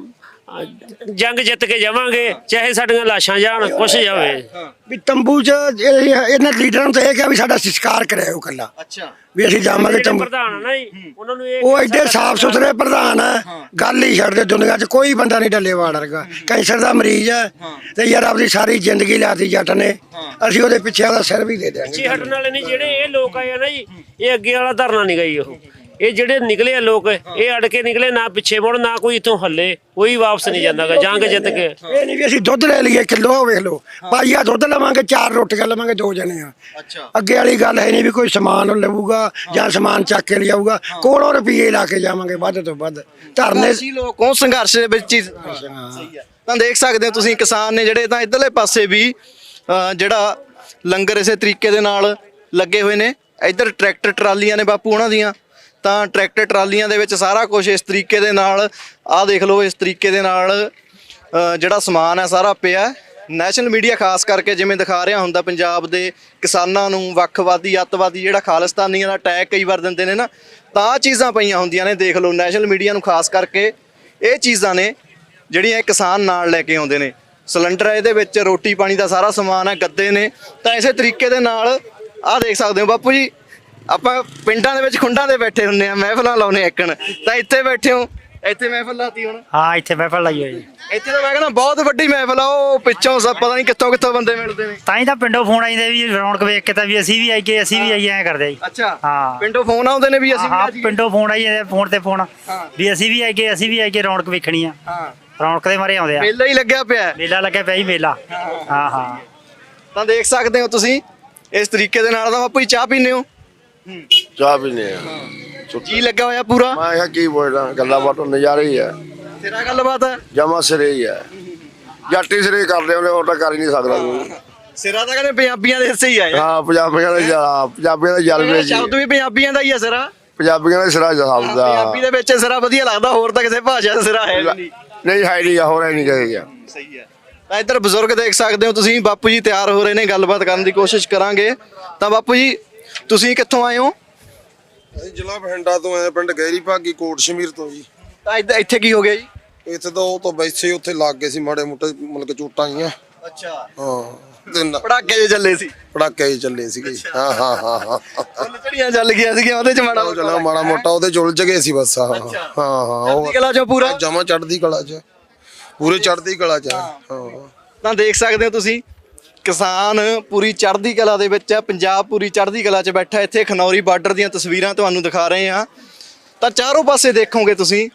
ਜੰਗ ਜਿੱਤ ਕੇ ਜਾਵਾਂਗੇ, ਚਾਹੇ ਸਾਡੀਆਂ ਲਾਸ਼ਾਂ ਜਾਣ, ਕੁਛ ਜਾਵੇ। ਵੀ ਤੰਬੂ 'ਚ ਇਹ- ਇਹਨਾਂ ਲੀਡਰਾਂ ਨੂੰ ਤਾਂ ਇਹ ਕਿਹਾ ਵੀ ਸਾਡਾ ਸੰਸਕਾਰ ਕਰਿਓ ਕੱਲਾ, ਅੱਛਾ, ਵੀ ਅਸੀਂ ਜਾਵਾਂਗੇ ਤੰਬੂ। ਪ੍ਰਧਾਨ ਆ ਨਾ ਜੀ, ਉਹਨਾਂ ਨੂੰ ਇਹ ਉਹ ਐਡੇ ਸਾਫ ਸੁਥਰੇ ਪ੍ਰਧਾਨ ਹੈ, ਗੱਲ ਹੀ ਛੱਡ ਦੇ। ਦੁਨੀਆ 'ਚ ਕੋਈ ਬੰਦਾ ਨਹੀਂ ਢੱਲੇ ਵਾੜ ਵਰਗਾ। ਕੈਂਸਰ ਦਾ ਮਰੀਜ਼ ਹੈ ਤੇ ਯਾਰ ਆਪਦੀ ਸਾਰੀ ਜ਼ਿੰਦਗੀ ਲਾਤੀ ਜੱਟ ਨੇ, ਅਸੀਂ ਉਹਦੇ ਪਿੱਛੇ ਉਹਦਾ ਸਿਰ ਵੀ ਦੇ ਦਿਆਂਗੇ। ਪਿੱਛੇ ਹਟਣ ਵਾਲੇ ਨਹੀਂ ਜਿਹੜੇ ਇਹ ਲੋਕ ਆਏ ਆ ਨਾ ਜੀ, ਇਹ ਅੱਗੇ ਵਾਲਾ ਧਰਨਾ ਨਹੀਂ ਗਈ। ਉਹ ਇਹ ਜਿਹੜੇ ਨਿਕਲੇ ਆ ਲੋਕ, ਇਹ ਅੜ ਕੇ ਨਿਕਲੇ, ਨਾ ਪਿੱਛੇ ਮੁੜ, ਨਾ ਕੋਈ ਇੱਥੋਂ ਹੱਲੇ, ਕੋਈ ਵਾਪਸ ਨਹੀਂ ਜਾਂਦਾਗਾ ਜੰਗ ਜਿੱਤ ਕੇ। ਇਹ ਨਹੀਂ ਵੀ ਅਸੀਂ ਦੁੱਧ ਲੈ ਲਈਏ ਕਿਲੋ, ਵੇਖ ਲਓ ਪਾਈਆ ਦੁੱਧ ਲਵਾਂਗੇ, ਚਾਰ ਰੋਟੀਆਂ ਲਵਾਂਗੇ, ਦੋ ਜਣੇ ਆ। ਅੱਗੇ ਵਾਲੀ ਗੱਲ ਹੈ ਨਹੀਂ ਵੀ ਕੋਈ ਸਮਾਨ ਲਊਗਾ ਜਾਂ ਸਮਾਨ ਚੱਕ ਕੇ ਲਿਆਊਗਾ। ਕੋਲੋਂ ਰੁਪਈਏ ਲਾ ਕੇ ਜਾਵਾਂਗੇ ਵੱਧ ਤੋਂ ਵੱਧ। ਧਰਨੇ ਅਸੀਂ ਲੋਕ ਉਹ ਸੰਘਰਸ਼ ਦੇ ਵਿੱਚ ਹੀ ਸਹੀ ਹੈ। ਤਾਂ ਦੇਖ ਸਕਦੇ ਹੋ ਤੁਸੀਂ ਕਿਸਾਨ ਨੇ ਜਿਹੜੇ ਤਾਂ ਇਧਰਲੇ ਪਾਸੇ ਵੀ ਅਹ, ਜਿਹੜਾ ਲੰਗਰ ਇਸੇ ਤਰੀਕੇ ਦੇ ਨਾਲ ਲੱਗੇ ਹੋਏ ਨੇ। ਇੱਧਰ ਟਰੈਕਟਰ ਟਰਾਲੀਆਂ ਨੇ ਬਾਪੂ ਉਹਨਾਂ ਦੀਆਂ। ਤਾਂ ਟਰੈਕਟਰ ਟਰਾਲੀਆਂ ਦੇ ਵਿੱਚ ਸਾਰਾ ਕੁਝ ਇਸ ਤਰੀਕੇ ਦੇ ਨਾਲ, ਆਹ ਦੇਖ ਲਓ, ਇਸ ਤਰੀਕੇ ਦੇ ਨਾਲ ਅਹ, ਜਿਹੜਾ ਸਮਾਨ ਹੈ ਸਾਰਾ ਪਿਆ। ਨੈਸ਼ਨਲ ਮੀਡੀਆ ਖਾਸ ਕਰਕੇ ਜਿਵੇਂ ਦਿਖਾ ਰਿਹਾ ਹੁੰਦਾ ਪੰਜਾਬ ਦੇ ਕਿਸਾਨਾਂ ਨੂੰ ਵੱਖਵਾਦੀ ਅੱਤਵਾਦੀ ਜਿਹੜਾ ਖਾਲਿਸਤਾਨੀਆਂ ਦਾ ਟੈਗ ਕਈ ਵਾਰ ਦਿੰਦੇ ਨੇ ਨਾ, ਤਾਂ ਆਹ ਚੀਜ਼ਾਂ ਪਈਆਂ ਹੁੰਦੀਆਂ ਨੇ। ਦੇਖ ਲਓ ਨੈਸ਼ਨਲ ਮੀਡੀਆ ਨੂੰ ਖਾਸ ਕਰਕੇ ਇਹ ਚੀਜ਼ਾਂ ਨੇ ਜਿਹੜੀਆਂ ਇਹ ਕਿਸਾਨ ਨਾਲ ਲੈ ਕੇ ਆਉਂਦੇ ਨੇ। ਸਿਲੰਡਰ ਹੈ ਇਹਦੇ ਵਿੱਚ, ਰੋਟੀ ਪਾਣੀ ਦਾ ਸਾਰਾ ਸਮਾਨ ਹੈ, ਗੱਦੇ ਨੇ। ਤਾਂ ਇਸੇ ਤਰੀਕੇ ਦੇ ਨਾਲ ਆਹ ਦੇਖ ਸਕਦੇ ਹੋ ਬਾਪੂ ਜੀ, ਆਪਾਂ ਪਿੰਡਾਂ ਦੇ ਵਿੱਚ ਖੁੰਡਾਂ ਦੇ ਬੈਠੇ ਹੁੰਦੇ ਆ, ਮਹਿਫਲਾਂ ਲਾਉਨੇ ਇੱਕਣ, ਤਾਂ ਇੱਥੇ ਬੈਠੇ ਹੋ ਇੱਥੇ ਮਹਿਫਲ ਲਾਤੀ ਹੁਣ? ਹਾਂ ਇੱਥੇ ਮਹਿਫਲ ਲਾਈ ਹੋਈ ਇੱਥੇ ਤਾਂ ਮੈਂ ਕਹਿੰਦਾ ਬਹੁਤ ਵੱਡੀ ਮਹਿਫਲ ਆ, ਉਹ ਪਿੱਛੋਂ ਸਭ ਪਤਾ ਨਹੀਂ ਕਿੱਥੋਂ ਕਿੱਥੋਂ ਬੰਦੇ ਮਿਲਦੇ ਨੇ। ਤਾਂ ਹੀ ਤਾਂ ਪਿੰਡੋਂ ਫੋਨ ਆਈਦੇ ਵੀ ਰੌਣਕ ਵੇਖ ਕੇ ਤਾਂ ਵੀ ਅਸੀਂ ਵੀ ਆਈਏ ਅਸੀਂ ਵੀ ਆਈਏ ਐ ਕਰਦੇ ਜੀ। ਅੱਛਾ ਹਾਂ ਪਿੰਡੋਂ ਫੋਨ ਆਉਂਦੇ ਨੇ ਵੀ ਅਸੀਂ ਵੀ ਹਾਂ ਆ ਜਾਈਏ। ਪਿੰਡੋਂ ਫੋਨ ਆਈ ਜਾਂਦੇ ਫੋਨ ਤੇ ਫੋਨ ਵੀ ਅਸੀਂ ਵੀ ਆਈਏ ਅਸੀਂ ਵੀ ਆਈਏ ਰੌਣਕ ਵੇਖਣੀ ਆ। ਹਾਂ ਰੌਣਕ ਦੇ ਮਾਰੇ ਆਉਂਦੇ ਆ। ਮੇਲਾ ਹੀ ਲੱਗਿਆ ਪਿਆ ਹੈ। ਮੇਲਾ ਲੱਗਿਆ ਪਿਆ ਜੀ ਮੇਲਾ। ਹਾਂ ਹਾਂ ਤਾਂ ਦੇਖ ਸਕਦੇ ਹੋ ਤੁਸੀਂ ਇਸ ਤਰੀਕੇ ਦੇ ਨਾਲ ਤਾਂ ਬਾਪੂ ਜੀ ਚਾਹ ਪੀਂਦੇ ਹੋ? ਚਾਹ ਪੀਨੇ ਆ ਜੀ ਲੱਗਾ ਹੋਇਆ ਪੂਰਾ? ਮੈਂ ਕਿਹਾ ਕੀ ਬੋਲਦਾ ਗੱਲਾਂ ਬਾਤਾਂ ਨਜ਼ਾਰੇ ਹੀ ਆ ਤੇਰਾ ਗੱਲਬਾਤ ਹੈ? ਜਮਾ ਸਿਰੇ ਹੀ ਆ ਜੱਟੀ ਸਿਰੇ ਕਰਦੇ ਉਹਨੇ ਹੋਰ ਤਾਂ ਕਰ ਹੀ ਨਹੀਂ ਸਕਦਾ ਕੋਈ। ਸਿਰਾ ਤਾਂ ਕਹਿੰਦੇ ਪੰਜਾਬੀਆਂ ਦੇ ਹਿੱਸੇ ਹੀ ਆ। ਹਾਂ ਪੰਜਾਬੀਆਂ ਦਾ ਜਾ- ਪੰਜਾਬੀਆਂ ਦਾ ਜਲਵੇ ਜੀ ਸ਼ਬਦ ਵੀ ਪੰਜਾਬੀਆਂ ਦਾ ਹੀ ਆ ਸਿਰਾ। ਪੰਜਾਬੀਆਂ ਦਾ ਸਿਰਾ ਸ਼ਬਦ ਦਾ ਪੰਜਾਬੀ ਦੇ ਵਿੱਚ ਸਿਰਾ ਵਧੀਆ ਲੱਗਦਾ, ਹੋਰ ਤਾਂ ਕਿਸੇ ਭਾਸ਼ਾ ਦਾ ਸਿਰਾ ਹੈ ਨਹੀਂ। ਨਹੀਂ ਹੈ ਨਹੀਂ ਹੋਰ ਹੈ ਨਹੀਂ ਕਹੇਗਾ। ਸਹੀ ਹੈ। ਤਾਂ ਇੱਧਰ ਬਜ਼ੁਰਗ ਦੇਖ ਸਕਦੇ ਹੋ ਤੁਸੀਂ, ਬਾਪੂ ਜੀ ਤਿਆਰ ਹੋ ਰਹੇ ਨੇ, ਗੱਲਬਾਤ ਕਰਨ ਦੀ ਕੋਸ਼ਿਸ਼ ਕਰਾਂਗੇ। ਤਾਂ ਬਾਪੂ ਜੀ ਤੁਸੀਂ ਕਿੱਥੋਂ ਆਏ ਹੋ? ਅਸੀਂ ਜ਼ਿਲ੍ਹਾ ਬਠਿੰਡਾ ਤੋਂ ਆਏ, ਪਿੰਡ ਗਹਿਰੀ ਭਾਗੀ ਕੋਟ ਸ਼ਮੀਰ ਤੋਂ ਜੀ। ਤਾਂ ਇੱਧਰ ਇੱਥੇ ਕੀ ਹੋ ਗਿਆ ਜੀ? ਇੱਥੇ ਤਾਂ ਉਹ ਤੋਂ ਵੈਸੇ ਉੱਥੇ ਲੱਗ ਗਏ ਸੀ ਮਾੜੇ ਮੋਟੇ ਮਤਲਬ ਕਿ ਚੋਟਾਂ ਆਈਆਂ। ਅੱਛਾ ਹਾਂ ਦਿਨ ਪੜਾਕੇ ਜੇ ਚੱਲੇ ਸੀ? ਪੜਾਕੇ ਹੀ ਚੱਲੇ ਸੀਗੇ ਜੀ। ਹਾਂ ਹਾਂ ਹਾਂ ਹਾਂ ਚੜੀਆਂ ਚੱਲ ਗਈਆਂ ਸੀਗੀਆਂ ਉਹਦੇ ਚ ਮਾੜਾ ਉਹ ਚਲਾ ਮਾੜਾ ਮੋਟਾ ਉਹਦੇ ਚੁਲਝ ਗਏ ਸੀ ਬਸ। ਹਾਂ ਹਾਂ ਹਾਂ ਉਹ ਕਲਾ ਚੋਂ ਪੂਰਾ ਜਮਾ ਚੜ੍ਹਦੀ ਕਲਾ ਚ ਪੂਰੇ ਚੜ੍ਹਦੀ ਕਲਾ ਚ। ਹਾਂ ਤਾਂ ਦੇਖ ਸਕਦੇ ਹੋ ਤੁਸੀਂ ਕਿਸਾਨ ਪੂਰੀ ਚੜ੍ਹਦੀ ਕਲਾ ਦੇ ਵਿੱਚ ਹੈ, ਪੰਜਾਬ ਪੂਰੀ ਚੜ੍ਹਦੀ ਕਲਾ 'ਚ ਬੈਠਾ। ਇੱਥੇ ਖਨੌਰੀ ਬਾਰਡਰ ਦੀਆਂ ਤਸਵੀਰਾਂ ਤੁਹਾਨੂੰ ਦਿਖਾ ਰਹੇ ਹਾਂ। ਤਾਂ ਚਾਰੋਂ ਪਾਸੇ ਦੇਖੋਗੇ ਤੁਸੀਂ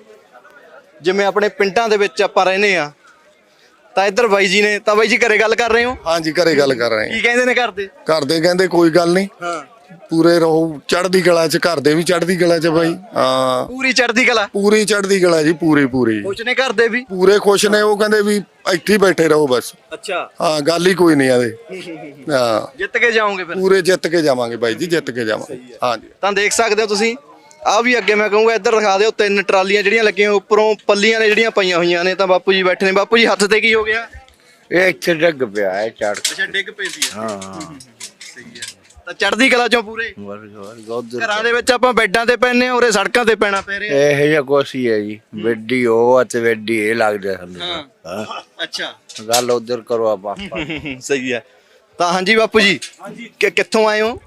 ਜਿਵੇਂ ਆਪਣੇ ਪਿੰਡਾਂ ਦੇ ਵਿੱਚ ਆਪਾਂ ਰਹਿੰਦੇ ਆ। ਤਾਂ ਇੱਧਰ ਬਾਈ ਜੀ ਨੇ, ਤਾਂ ਬਾਈ ਜੀ ਘਰੇ ਗੱਲ ਕਰ ਰਹੇ ਹੋ? ਹਾਂਜੀ ਘਰੇ ਗੱਲ ਕਰ ਰਹੇ ਕੀ ਕਹਿੰਦੇ ਨੇ ਘਰ ਦੇ? ਘਰ ਦੇ ਕਹਿੰਦੇ ਕੋਈ ਗੱਲ ਨਹੀਂ ਹਾਂ ਪੂਰੇ ਰਹੋ ਚੜ੍ਹਦੀ ਕਲਾ ਚ, ਘਰ ਦੇ ਵੀ ਚੜ੍ਹਦੀ ਕਲਾ ਚ ਬਾਈ। ਹਾਂ ਪੂਰੀ ਚੜ੍ਹਦੀ ਕਲਾ? ਪੂਰੀ ਚੜ੍ਹਦੀ ਕਲਾ ਜੀ ਪੂਰੀ ਪੂਰੀ ਖੁਸ਼ ਨੇ ਘਰ ਦੇ ਵੀ? ਪੂਰੇ ਖੁਸ਼ ਨੇ। ਉਹ ਕਹਿੰਦੇ ਵੀ ਇੱਥੇ ਹੀ ਬੈਠੇ ਰਹੋ ਬਸ। ਅੱਛਾ ਹਾਂ ਗੱਲ ਹੀ ਕੋਈ ਨਹੀਂ ਆਦੇ। ਹਾਂ ਜਿੱਤ ਕੇ ਜਾਓਗੇ ਫਿਰ? ਪੂਰੇ ਜਿੱਤ ਕੇ ਜਾਵਾਂਗੇ ਬਾਈ ਜੀ, ਜਿੱਤ ਕੇ ਜਾਵਾਂਗੇ। ਹਾਂਜੀ ਤਾਂ ਦੇਖ ਸਕਦੇ ਹੋ ਤੁਸੀਂ ਆ ਵੀ ਅੱਗੇ ਮੈਂ ਕਹੂੰਗਾ ਇੱਧਰ ਦਿਖਾ ਦਿਓ, ਤਿੰਨ ਟਰਾਲੀਆਂ ਜਿਹੜੀਆਂ ਲੱਗੀਆਂ ਉੱਪਰੋਂ ਪੱਲੀਆਂ ਨੇ ਜਿਹੜੀਆਂ ਪਈਆਂ ਹੋਈਆਂ ਨੇ। ਤਾਂ ਬਾਪੂ ਜੀ ਬੈਠੇ ਨੇ। ਬਾਪੂ ਜੀ ਹੱਥ ਤੇ ਕੀ ਹੋ ਗਿਆ? ਇਹ ਇੱਥੇ ਡਿੱਗ ਪਿਆ ਹੈ ਚੜ। ਅੱਛਾ ਡਿੱਗ ਪਈ ਸੀ। ਹਾਂ ਸਹੀ ਹੈ। ਤਾਂ ਚੜ੍ਹਦੀ ਕਲਾ ਚੋਂ ਪੂਰੇ ਉਧਰ ਘਰਾਂ ਦੇ ਵਿੱਚ ਆਪਾਂ ਬੈੱਡਾਂ ਤੇ ਪੈਨੇ ਆ, ਉਰੇ ਸੜਕਾਂ ਤੇ ਪੈਣਾ ਪੈ ਰਿਹਾ। ਇਹ ਜਿਹਾ ਕੁਛ ਹੀ ਹੈ ਜੀ। ਵੱਡੀ ਉਹ ਅਤੇ ਵੱਡੀ ਇਹ ਲੱਗਦਾ ਸਾਨੂੰ। ਹਾਂ ਅੱਛਾ ਗੱਲ ਉਧਰ ਕਰੋ ਆਪਾਂ। ਸਹੀ ਹੈ। ਤਾਂ ਹਾਂਜੀ ਬਾਪੂ ਜੀ ਕਿ ਕਿੱਥੋਂ ਆਏ ਹੋ?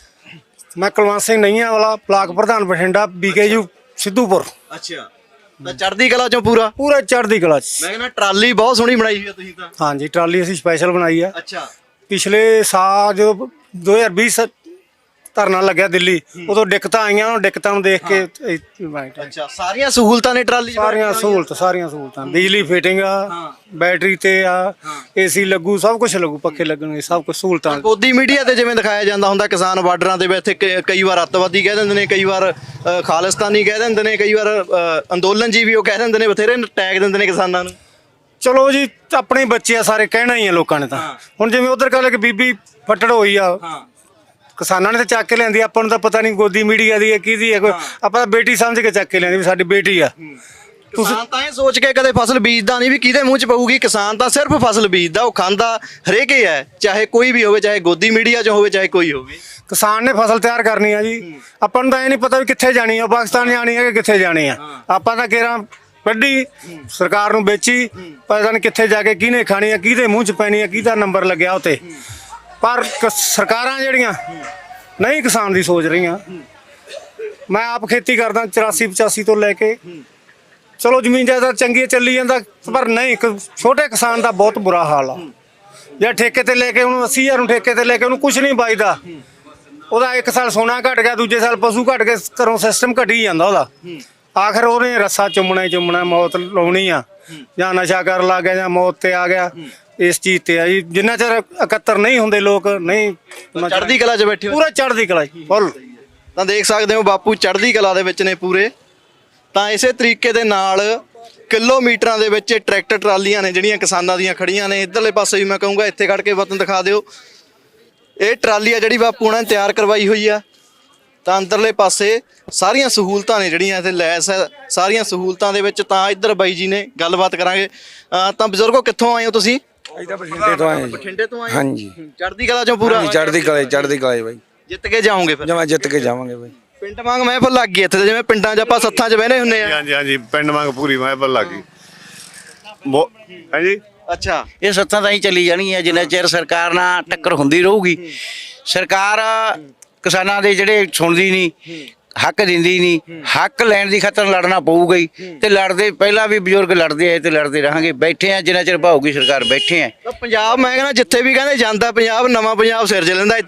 ਮੈਂ ਕੁਲਵੰਤ ਸਿੰਘ ਨਈਆਂ ਵਾਲਾ ਬਲਾਕ ਪ੍ਰਧਾਨ ਬਠਿੰਡਾ ਬੀਕੇਯੂ ਸਿੱਧੂਪੁਰ। ਅੱਛਾ ਤਾਂ ਚੜ੍ਹਦੀ ਕਲਾ ਚੋਂ ਪੂਰਾ? ਪੂਰਾ ਚੜ੍ਹਦੀ ਕਲਾ ਚ। ਮੈਂ ਕਹਿੰਦਾ ਟਰਾਲੀ ਬਹੁਤ ਸੋਹਣੀ ਬਣਾਈ ਹੋਈ ਆ ਤੁਸੀਂ ਤਾਂ। ਹਾਂਜੀ ਟਰਾਲੀ ਅਸੀਂ ਸਪੈਸ਼ਲ ਬਣਾਈ ਆ। ਅੱਛਾ ਪਿਛਲੇ ਸਾਲ ਜਦੋਂ ਦੋ ਹਜ਼ਾਰ ਵੀਹ ਧਰਨਾ ਲੱਗਿਆ ਦਿੱਲੀ, ਉਦੋਂ ਦਿੱਕਤਾਂ ਆਈਆਂ, ਉਹ ਦਿੱਕਤਾਂ ਨੂੰ ਦੇਖ ਕੇ ਇਹ ਬਣਾਇਆ। ਅੱਛਾ ਸਾਰੀਆਂ ਸਹੂਲਤਾਂ ਨੇ ਟਰਾਲੀ 'ਚ? ਸਾਰੀਆਂ ਸਹੂਲਤ ਸਾਰੀਆਂ ਸਹੂਲਤਾਂ ਬਿਜਲੀ ਫਿਟਿੰਗ ਆ, ਬੈਟਰੀ ਤੇ ਆ, ਏਸੀ ਲੱਗੂ, ਸਭ ਕੁਝ ਲੱਗੂ, ਪੱਖੇ ਲੱਗਣਗੇ, ਸਭ ਕੁਝ ਸਹੂਲਤਾਂ। ਗੋਦੀ ਮੀਡੀਆ ਤੇ ਜਿਵੇਂ ਦਿਖਾਇਆ ਜਾਂਦਾ ਹੁੰਦਾ ਕਿਸਾਨ ਬਾਰਡਰਾਂ ਦੇ ਵਿੱਚ ਕ- ਕਈ ਵਾਰ ਅੱਤਵਾਦੀ ਕਹਿ ਦਿੰਦੇ ਨੇ, ਕਈ ਵਾਰ ਅ, ਖਾਲਿਸਤਾਨੀ ਕਹਿ ਦਿੰਦੇ ਨੇ, ਕਈ ਵਾਰ ਅ, ਅੰਦੋਲਨ ਜੀ ਵੀ ਉਹ ਕਹਿ ਦਿੰਦੇ ਨੇ, ਬਥੇਰੇ ਟੈਗ ਦਿੰਦੇ ਨੇ ਕਿਸਾਨਾਂ ਨੂੰ। ਚਲੋ ਜੀ ਆਪਣੇ ਬੱਚੇ ਆ ਸਾਰੇ, ਕਹਿਣਾ ਹੀ ਆ ਲੋਕਾਂ ਨੇ ਤਾਂ। ਹੁਣ ਜਿਵੇਂ ਉਧਰ ਕੱਲ ਇੱਕ ਬੀਬੀ ਫੱਟੜ ਹੋਈ ਆ, ਕਿਸਾਨਾਂ ਨੇ ਤਾਂ ਚੱਕ ਕੇ ਲਿਆਂਦੀ, ਆਪਾਂ ਨੂੰ ਤਾਂ ਪਤਾ ਨਹੀਂ ਗੋਦੀ ਮੀਡੀਆ ਦੀ ਹੈ ਕਿਹਦੀ ਹੈ। ਕੋਈ ਆਪਾਂ ਤਾਂ ਬੇਟੀ ਸਮਝ ਕੇ ਚੱਕ ਕੇ ਲਿਆਂਦੀ ਵੀ ਸਾਡੀ ਬੇਟੀ ਆ। ਕਿਸਾਨ ਤਾਂ ਇਹ ਸੋਚ ਕੇ ਕਦੇ ਫਸਲ ਬੀਜਦਾ ਨਹੀਂ ਵੀ ਕਿਹਦੇ ਮੂੰਹ 'ਚ ਪਊਗੀ। ਕਿਸਾਨ ਤਾਂ ਸਿਰਫ ਫਸਲ ਬੀਜਦਾ, ਉਹ ਖਾਂਦਾ ਹਰੇਕ ਹੀ ਹੈ, ਚਾਹੇ ਕੋਈ ਵੀ ਹੋਵੇ, ਚਾਹੇ ਗੋਦੀ ਮੀਡੀਆ 'ਚ ਹੋਵੇ, ਚਾਹੇ ਕੋਈ ਹੋਵੇ। ਕਿਸਾਨ ਨੇ ਫਸਲ ਤਿਆਰ ਕਰਨੀ ਆ ਜੀ। ਆਪਾਂ ਨੂੰ ਤਾਂ ਇਹ ਨਹੀਂ ਪਤਾ ਵੀ ਕਿੱਥੇ ਜਾਣੀ ਆ, ਪਾਕਿਸਤਾਨ ਜਾਣੀ ਆ ਕਿ ਕਿੱਥੇ ਜਾਣੀ ਆ। ਆਪਾਂ ਤਾਂ ਕਿਹੜਾ ਵੱਡੀ ਸਰਕਾਰ ਨੂੰ ਵੇਚੀ, ਪਤਾ ਨਹੀਂ ਕਿੱਥੇ ਜਾ ਕੇ ਕਿਹਨੇ ਖਾਣੀ ਆ, ਕਿਹਦੇ ਮੂੰਹ 'ਚ ਪੈਣੀ ਆ, ਕਿਹਦਾ ਨੰਬਰ ਲੱਗਿਆ ਉਤੇ। ਪਰ ਕ- ਸਰਕਾਰਾਂ ਜਿਹੜੀਆਂ ਨਹੀਂ ਕਿਸਾਨ ਦੀ ਸੋਚ ਰਹੀਆਂ। ਮੈਂ ਆਪ ਖੇਤੀ ਕਰਦਾ ਚੁਰਾਸੀ ਪਚਾਸੀ ਤੋਂ ਲੈ ਕੇ, ਚਲੋ ਜ਼ਮੀਨ ਜਾਇਦਾਦ ਚੰਗੀ ਚੱਲੀ ਜਾਂਦਾ, ਪਰ ਨਹੀਂ ਇੱਕ ਛੋਟੇ ਕਿਸਾਨ ਦਾ ਬਹੁਤ ਬੁਰਾ ਹਾਲ ਆ। ਜਾਂ ਠੇਕੇ ਤੇ ਲੈ ਕੇ ਉਹਨੂੰ ਅੱਸੀ ਹਜ਼ਾਰ ਨੂੰ ਠੇਕੇ ਤੇ ਲੈ ਕੇ ਉਹਨੂੰ ਕੁਝ ਨਹੀਂ ਬਚਦਾ। ਉਹਦਾ ਇੱਕ ਸਾਲ ਸੋਨਾ ਘਟ ਗਿਆ, ਦੂਜੇ ਸਾਲ ਪਸ਼ੂ ਘਟ ਗਏ, ਘਰੋਂ ਸਿਸਟਮ ਘਟੀ ਜਾਂਦਾ ਉਹਦਾ। ਆਖਰ ਉਹਨੇ ਰੱਸਾ ਚੁੰਮਣਾ ਹੀ ਚੁੰਮਣਾ, ਮੌਤ ਲਾਉਣੀ ਆ। ਜਾਂ ਨਸ਼ਾ ਕਰਨ ਲੱਗ ਗਿਆ ਜਾਂ ਮੌਤ ਤੇ ਆ ਗਿਆ। ਇਸ ਚੀਜ਼ ਤੇ ਆ ਜੀ, ਜਿੰਨਾ ਚਿਰ ਇਕੱਤਰ ਨਹੀਂ ਹੁੰਦੇ ਲੋਕ ਨਹੀਂ ਚੜ੍ਹਦੀ ਕਲਾ 'ਚ ਬੈਠੇ ਹੋ? ਪੂਰਾ ਚੜ੍ਹਦੀ ਕਲਾ ਫੁੱਲ। ਤਾਂ ਦੇਖ ਸਕਦੇ ਹੋ ਬਾਪੂ ਚੜ੍ਹਦੀ ਕਲਾ ਦੇ ਵਿੱਚ ਨੇ ਪੂਰੇ। ਤਾਂ ਇਸੇ ਤਰੀਕੇ ਦੇ ਨਾਲ ਕਿਲੋਮੀਟਰਾਂ ਦੇ ਵਿੱਚ ਟਰੈਕਟਰ ਟਰਾਲੀਆਂ ਨੇ ਜਿਹੜੀਆਂ ਕਿਸਾਨਾਂ ਦੀਆਂ ਖੜੀਆਂ ਨੇ। ਇੱਧਰਲੇ ਪਾਸੇ ਵੀ ਮੈਂ ਕਹੂੰਗਾ ਇੱਥੇ ਖੜ ਕੇ ਵਤਨ ਦਿਖਾ ਦਿਓ। ਇਹ ਟਰਾਲੀ ਆ ਜਿਹੜੀ ਬਾਪੂ ਉਹਨਾਂ ਨੇ ਤਿਆਰ ਕਰਵਾਈ ਹੋਈ ਆ। ਤਾਂ ਅੰਦਰਲੇ ਪਾਸੇ ਸਾਰੀਆਂ ਸਹੂਲਤਾਂ ਨੇ ਜਿਹੜੀਆਂ ਇੱਥੇ ਲੈਸ ਹੈ, ਸਾਰੀਆਂ ਸਹੂਲਤਾਂ ਦੇ ਵਿੱਚ। ਤਾਂ ਇੱਧਰ ਬਾਈ ਜੀ ਨੇ ਗੱਲਬਾਤ ਕਰਾਂਗੇ। ਅਹ ਤਾਂ ਬਜ਼ੁਰਗੋ ਕਿੱਥੋਂ ਆਏ ਹੋ ਤੁਸੀਂ? ਅਸੀਂ ਤਾਂ ਬਠਿੰਡੇ ਤੋਂ ਆਏ ਜੀ। ਬਠਿੰਡੇ ਤੋਂ ਆਏ? ਹਾਂਜੀ ਚੜ੍ਹਦੀ ਕਲਾ ਚੋਂ ਪੂਰਾ? ਚੜ੍ਹਦੀ ਕਲਾ ਚੜ੍ਹਦੀ ਕਲਾ ਬਾਈ। ਜਿੱਤ ਕੇ ਜਾਓਗੇ ਫਿਰ? ਜਮਾ ਜਿੱਤ ਕੇ ਜਾਵਾਂਗੇ ਬਾਈ। ਪਿੰਡ ਵਾਂਗ ਮਹਿਫਲ ਲੱਗ ਗਈ ਇੱਥੇ, ਜਿਵੇਂ ਪਿੰਡਾਂ 'ਚ ਆਪਾਂ ਸੱਥਾਂ 'ਚ ਬਹਿਨੇ ਹੁੰਦੇ ਆ। ਹਾਂਜੀ ਹਾਂਜੀ ਪਿੰਡ ਵਾਂਗ ਪੂਰੀ ਮਹਿਫਲ ਲੱਗ ਗਈ। ਹਾਂਜੀ ਅੱਛਾ ਇਹ ਸੱਥਾਂ ਤਾਂ ਹੀ ਚੱਲੀ ਜਾਣਗੀਆਂ ਜਿੰਨਾ ਚਿਰ ਸਰਕਾਰ ਨਾਲ ਟੱਕਰ ਹੁੰਦੀ ਰਹੂਗੀ। ਸਰਕਾਰ ਕਿਸਾਨਾਂ ਦੇ ਜਿਹੜੇ ਸੁਣਦੀ ਨਹੀਂ, ਹੱਕ ਦਿੰਦੀ ਨਹੀਂ। ਹੱਕ ਲੈਣ ਦੀ ਖਾਤਰ ਲੜਨਾ ਪਊਗਾ ਹੀ ਤੇ ਲੜਦੇ ਪਹਿਲਾਂ ਵੀ ਬਜ਼ੁਰਗ ਲੜਦੇ ਆਏ ਤੇ ਲੜਦੇ ਰਹਾਂਗੇ। ਬੈਠੇ ਆ ਜਿੰਨਾ ਚਿਰ ਭਾਊਗੀ ਸਰਕਾਰ ਬੈਠੇ ਆ। ਤਾਂ ਪੰਜਾਬ ਮੈਂ ਕਹਿੰਦਾ ਜਿੱਥੇ ਵੀ ਕਹਿੰਦੇ ਜਾਂਦਾ ਪੰਜਾਬ ਨਵਾਂ ਪੰਜਾਬ ਸਿਰਜ ਲੈਂਦਾ।